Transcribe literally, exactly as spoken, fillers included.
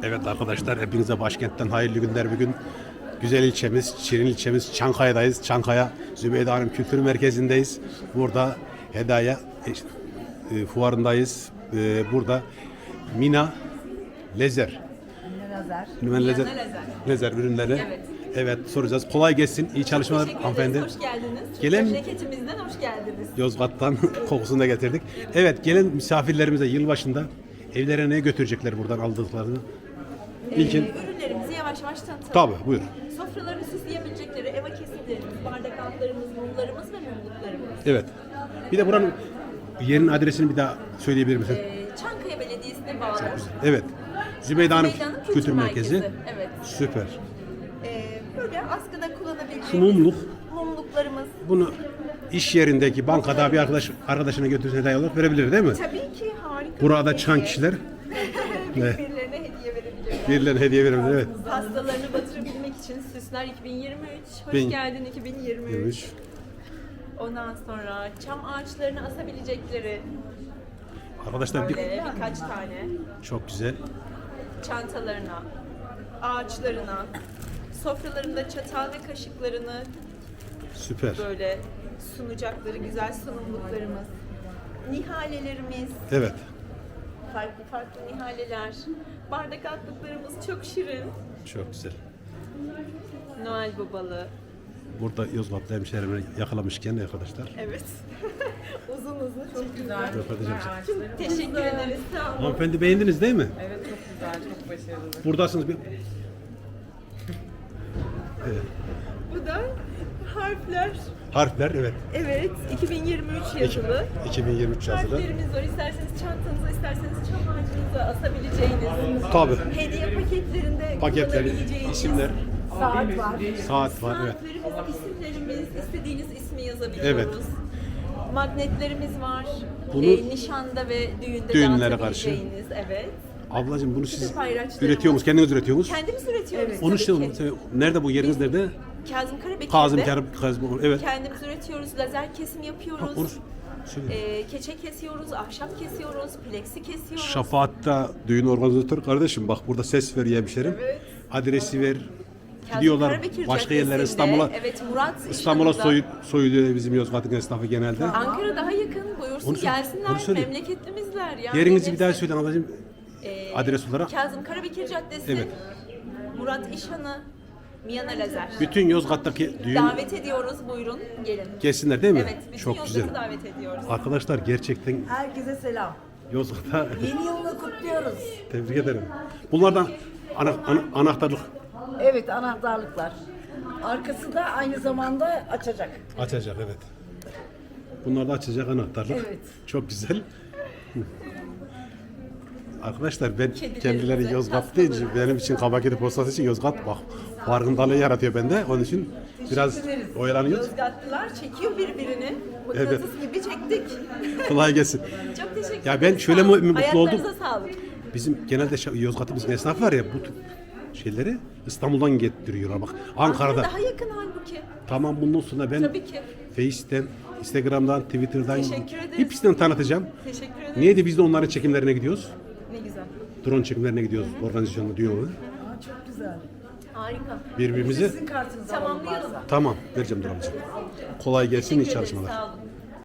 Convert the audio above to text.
Evet arkadaşlar, hepinize başkentten hayırlı günler. Bugün güzel ilçemiz, Şirin ilçemiz Çankaya'dayız. Çankaya Zübeyde Hanım Kültür Merkezi'ndeyiz. Burada Hedaya e, fuarındayız. E, burada Mina Lezer. Lazer. Mina Lezer. Lezer. Lezer ürünleri. Evet. Evet, soracağız. Kolay gelsin. İyi çalışmalar Teşekkür hanımefendi. ederiz, hoş geldiniz. Gelen- Memleketimizden hoş geldiniz. Yozgat'tan kokusunu da getirdik. Evet, gelen misafirlerimize yılbaşında evlerine ne götürecekler buradan aldıklarını? İlkin. Ee, ürünlerimizi yavaş yavaş tanıtalım. Tabii, buyur. Sofralarını süsleyebilecekleri eva kesimlerimiz, bardak altlarımız, mumlarımız ve mumluklarımız. Evet. Bir de buranın yerin adresini bir daha söyleyebilir misin? Ee, Çankaya Belediyesi'ne bağlı. Evet. Zübeyde Hanım Zübeyde Hanım Kültür, Kültür Merkezi. Merkezi, evet. Süper. Ee, böyle askıda kullanabileceğimiz Şu mumluk. mumluklarımız. Bunu iş yerindeki bankada bir arkadaş arkadaşına götürse hediye olarak verebilir değil mi? Tabii ki harika. Burada bir çan hediye. kişiler Birbirlerine hediye verebilirler. birilerine hediye verebilir. Evet. Pastalarını batırabilmek için Süsler iki bin yirmi üç. Hoş Bin- geldin iki bin yirmi üç. Yürümüş. Ondan sonra çam ağaçlarını asabilecekleri Arkadaşlar bir, böyle birkaç tane çok güzel. çantalarına, ağaçlarına, sofralarında çatal ve kaşıklarını Süper. böyle sunacakları güzel sunumluklarımız, nihalelerimiz, Evet. farklı farklı nihaleler, bardak altlıklarımız çok şirin, Çok güzel. Noel babalı, Burada Yozgatlı hemşehrimi yakalamışken arkadaşlar. evet, uzun uzun çok güzel. Röportaj yapacağız. Çok teşekkür ederiz, sağ olun. Hanımefendi beğendiniz değil mi? Evet, çok güzel, çok başarılı. Buradasınız. Bir... Evet. Bu da harfler, Harfler evet. evet, iki bin yirmi üç yazılı. iki bin yirmi üç yazılı. Harflerimiz var. İsterseniz çantanıza, isterseniz çam ağacınıza asabileceğiniz. Tabii. Hediye paketlerinde Paketleri, kullanabileceğiniz. isimler, Saat var. saat var evet. Saatlerimiz, isimlerimiz, istediğiniz ismi yazabiliyoruz. Evet. Magnetlerimiz var. Bunu- Ee, nişanda ve düğünde Düğünlere karşı. dağıtabileceğiniz, evet. Ablacığım bunu siz Payraçlarımız. üretiyor musunuz? Kendiniz üretiyor musunuz? Kendimiz üretiyoruz. Onu tabii işte ki. nerede bu yeriniz nerede? Kazım Karabekir'de. Kazım Karabı Kazım evet. Kendimiz üretiyoruz. Lazer kesim yapıyoruz. Ha, onu söyle. Ee, keçe kesiyoruz, ahşap kesiyoruz, plexi kesiyoruz. Şafaat'ta düğün organizatörü kardeşim bak burada ses ver hemşerim. Evet. Adresi ver. Kazım Gidiyorlar Karabekir başka yerlere Caddesi'nde, İstanbul'a. Evet, Murat İstanbul'a İşhan'da. soy, soyuluyor bizim Yozgat'ın esnafı genelde. Ankara daha yakın. Buyursun Onu söyle, gelsinler. onu söyle. Memleketlimizler ya. Yerinizi bir daha Hepsi. söyle ablacığım. Ee, Adres olarak. Kazım Karabekir Caddesi. Evet. Murat İşhan'ı. Miyana Lazer. Bütün Yozgat'taki düğün Davet ediyoruz. Buyurun gelin. gelsinler değil mi? Evet. Bütün Çok Yozgat'ı güzel. davet ediyoruz. Arkadaşlar gerçekten Herkese selam. Yozgat'a Yeni yılını kutluyoruz. tebrik ederim. Bunlardan ana, ana- anahtarlık Evet, anahtarlıklar. Arkası da aynı zamanda açacak. açacak evet. Bunlar da açacak anahtarlık. Evet. Çok güzel. Arkadaşlar ben Kedilerimize, kendileri Yozgat deyince benim için Kabakedi Postası için Yozgat bak farkındalığı yaratıyor bende. Onun için biraz ederiz. oyalanıyoruz. Yozgatlılar çekiyor birbirini. Mıknatıs gibi çektik. Kolay gelsin. Çok teşekkür ederim. Ya ben şöyle Sağ mu- olun. mutlu oldum. Ayaklarınıza sağlık. Bizim genelde şa- Yozgat'ımızın esnafı var ya bu tip şeyleri İstanbul'dan getiriyorlar bak. Ankara'da. Ankara daha yakın halbuki. Tamam bundan sonra ben Tabii ki. Face'ten, Instagram'dan, Twitter'dan Teşekkür ederiz. hepsinden tanıtacağım. Teşekkür ederim. Niye de biz de onların çekimlerine gidiyoruz? Ne güzel. Drone çekimlerine gidiyoruz organizasyonda diyor. Aa, çok güzel. Harika. Birbirimizi Sizin kartınızı alalım Tamamlayalım. varsa. tamam vereceğim Duran'cığım. Kolay gelsin iyi Teşekkür ederiz. çalışmalar. Sağ olun.